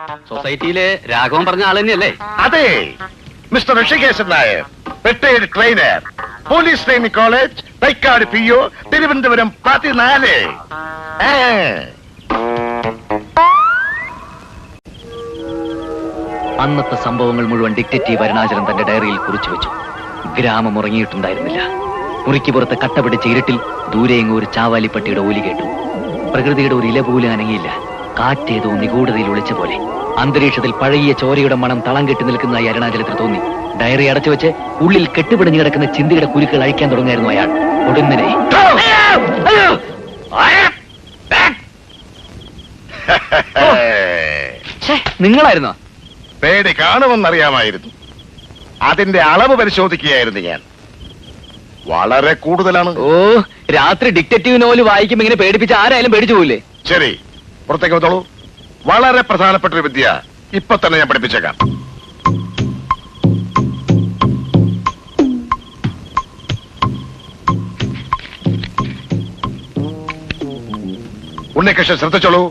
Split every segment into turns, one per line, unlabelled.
സൊസൈറ്റിയിലെ രാഘവൻ പറഞ്ഞ ആൾ തന്നെയല്ലേ?
അതെ, mister Rishikeshan Nair, retired trainer, police training college, Thycaud PO, Thiruvananthapuram 14.
അന്നത്തെ സംഭവങ്ങൾ മുഴുവൻ ഡിറ്റക്റ്റീവ് അരുണാചലൻ തന്റെ ഡയറിയിൽ കുറിച്ചു വെച്ചു. ഗ്രാമം ഉറങ്ങിയിട്ടുണ്ടായിരുന്നില്ല. മുറിക്ക് പുറത്ത് കട്ടപിടിച്ച ഇരുട്ടിൽ ദൂരെയെങ്ങും ഒരു ചാവാലിപ്പട്ടിയുടെ ഓലി കേട്ടു. പ്രകൃതിയുടെ ഒരു ഇല പോലും അനങ്ങിയില്ല. കാറ്റേതോ നിഗൂഢതയിൽ ഒളിച്ച പോലെ. അന്തരീക്ഷത്തിൽ പഴകിയ ചോരയുടെ മണം തളം കെട്ടി നിൽക്കുന്നതായി അരുണാചലത്തിൽ തോന്നി. ഡയറി അടച്ചു വെച്ച് ഉള്ളിൽ കെട്ടുപിടിഞ്ഞു കിടക്കുന്ന ചിന്തയുടെ കുരുക്കൾ അഴിക്കാൻ തുടങ്ങായിരുന്നു അയാൾ. ഒടുന്നനെ നിങ്ങളായിരുന്നോ?
പേടി കാണുമെന്നറിയാമായിരുന്നു. അതിന്റെ അളവ് പരിശോധിക്കുകയായിരുന്നു ഞാൻ. വളരെ കൂടുതലാണ്.
ഓ, രാത്രി ഡിറ്റക്റ്റീവ് നോവൽ വായിക്കുമ്പോ ഇങ്ങനെ പേടിപ്പിച്ച ആരായാലും പേടിച്ചു പോയില്ലേ?
ശരി, പുറത്തേക്ക് വന്നോളൂ. വളരെ പ്രധാനപ്പെട്ട ഒരു വിദ്യ ഇപ്പൊ തന്നെ ഞാൻ പഠിപ്പിച്ചേക്കാം. ഉണ്ണികൃഷ്ണൻ ശ്രദ്ധിച്ചോളൂ.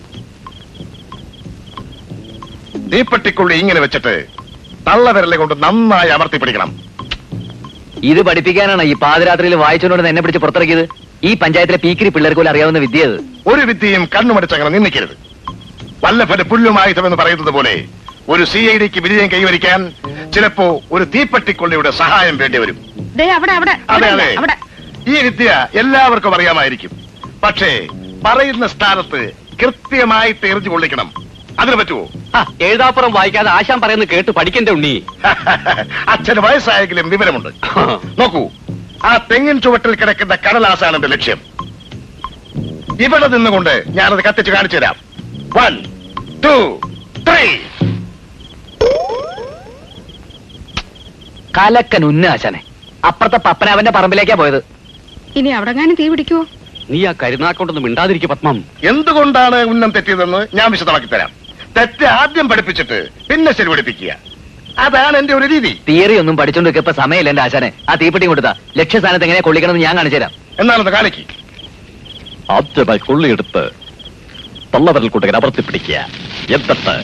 തീപ്പെട്ടിക്കുള്ളി ഇങ്ങനെ വെച്ചിട്ട് തള്ളവിരലെ കൊണ്ട് നന്നായി അമർത്തി പിടിക്കണം.
ഇത് പഠിപ്പിക്കാനാണ് ഈ പാതിരാത്രിയിൽ വായിച്ചോണ്ട് എന്നെ പിടിച്ച് പുറത്തിറക്കിയത്? ഈ പഞ്ചായത്തിലെ പീക്കിരി പിള്ളേർക്ക് പോലും അറിയാവുന്ന വിദ്യ അത്.
ഒരു വിദ്യയും കണ്ണുമടിച്ചങ്ങനെ നിന്നിക്കരുത്. വല്ലഭന്റെ പുല്ലുമായുധം എന്ന് പറയുന്നത് പോലെ ഒരു CIDക്ക് വിജയം കൈവരിക്കാൻ ചിലപ്പോ ഒരു തീപ്പെട്ടിക്കൊള്ളിയുടെ സഹായം വേണ്ടി വരും. അതെ അതെ, ഈ വിദ്യ എല്ലാവർക്കും അറിയാമായിരിക്കും. പക്ഷേ പറയുന്ന സ്ഥാനത്ത് കൃത്യമായിട്ട് എറിഞ്ഞു കൊള്ളിക്കണം. അതിന് പറ്റുമോ?
എഴുതാപ്പുറം വായിക്കാതെ ആശാൻ പറയുന്നത് കേട്ട് പഠിക്കണ്ടേ ഉണ്ണി?
അച്ഛന് വയസ്സായെങ്കിലും വിവരമുണ്ട്. നോക്കൂ, ആ തെങ്ങിൻ ചുവട്ടിൽ കിടക്കുന്ന കടലാസാണ് എന്റെ ലക്ഷ്യം. ഇവിടെ നിന്നുകൊണ്ട് ഞാനത് കത്തിച്ച് കാണിച്ചു തരാം. 1, 2, 3.
കലക്കൻ ഉന്ന ആശാനെ. അപ്പുറത്തെ പപ്പനാവന്റെ പറമ്പിലേക്കാ പോയത്.
ഇനി അവിടെ തീ പിടിക്കുവോ?
നീ ആ കരുനാക്കൊണ്ടൊന്നും മിണ്ടാതിരിക്കും പത്മം.
എന്തുകൊണ്ടാണ് ഉന്നം തെറ്റിയതെന്ന് ഞാൻ വിശദമാക്കി തരാം. തെറ്റ് ആദ്യം പഠിപ്പിച്ചിട്ട് പിന്നെ ശരി പഠിപ്പിക്കുക. അതാണ് എന്റെ ഒരു രീതി.
തിയറി ഒന്നും പഠിച്ചോണ്ട് ഇപ്പൊ സമയമില്ല എന്റെ ആശാനെ. ആ തീപ്പെട്ടി കൊടുത്താ ലക്ഷ്യസ്ഥാനത്ത് എങ്ങനെ കൊള്ളിക്കണമെന്ന് ഞാൻ കാണിച്ചു തരാം.
എന്നാലൊന്ന് കാണിക്ക്.
ആദ്യമായി കൊള്ളിയെടുത്ത് തള്ളവരൽ കൂട്ടകൻ അമർത്തി പിടിക്കുക. എന്നിട്ട്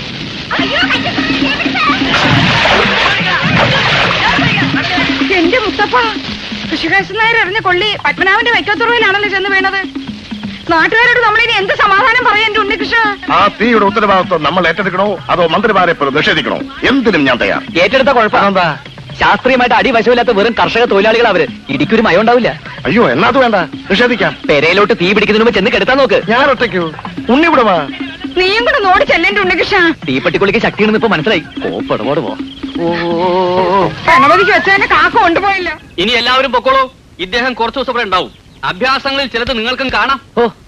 എന്റെ മുത്തപ്പ, ഋഷികേശൻ നായർ എറിഞ്ഞ കൊള്ളി പത്മനാഭന്റെ വൈക്കത്തുറയിലാണല്ലോ ചെന്ന് വീണത്. നാട്ടുകാരോട് നമ്മളിനി എന്ത് സമാധാനം പറയാൻ എന്റെ ഉണ്ണികൃഷ്ണ?
ആ തീയുടെ ഉത്തരവാദിത്വം നമ്മൾ ഏറ്റെടുക്കണോ അതോ മന്ത്രിമാരെ പോലും നിഷേധിക്കണോ? എന്തിനും ഞാൻ തയ്യാർ.
ഏറ്റെടുത്ത കുഴപ്പമെന്താ? ശാസ്ത്രീയമായിട്ട് അടിവശമില്ലാത്ത വെറും കർഷക തൊഴിലാളികൾ അവര്. ഇടിക്കൊരു മയം ഉണ്ടാവില്ല.
അയ്യോ, എന്നാ അത് വേണ്ട, നിഷേധിക്കാം.
പെരയിലോട്ട് തീ പിടിക്കുന്നതിന് മുമ്പ് ചെന്ന് കെടുത്താൻ നോക്ക്.
ഞാൻ ഒറ്റയ്ക്കോ? ഉണ്ണി ഇവിടെ വാ.
നീയും കൂടെ നോടി ചെല്ലേന്റെ ഉണ്ണികൃഷ്ണ.
തീപ്പെട്ടിക്കുള്ളിക്ക് ശക്തിയാണെന്ന് ഇപ്പൊ മനസ്സിലായി. കോപ്പടപാട് പോ.
ഗണപതിക്ക് വെച്ചതിന്റെ കാക്ക കൊണ്ടുപോയില്ല.
ഇനി എല്ലാവരും പൊക്കോളൂ. ഇദ്ദേഹം കുറച്ചു ദിവസം ഇവിടെ ഉണ്ടാവും. അഭ്യാസങ്ങളിൽ ചിലത് നിങ്ങൾക്കും കാണാം. ഓ,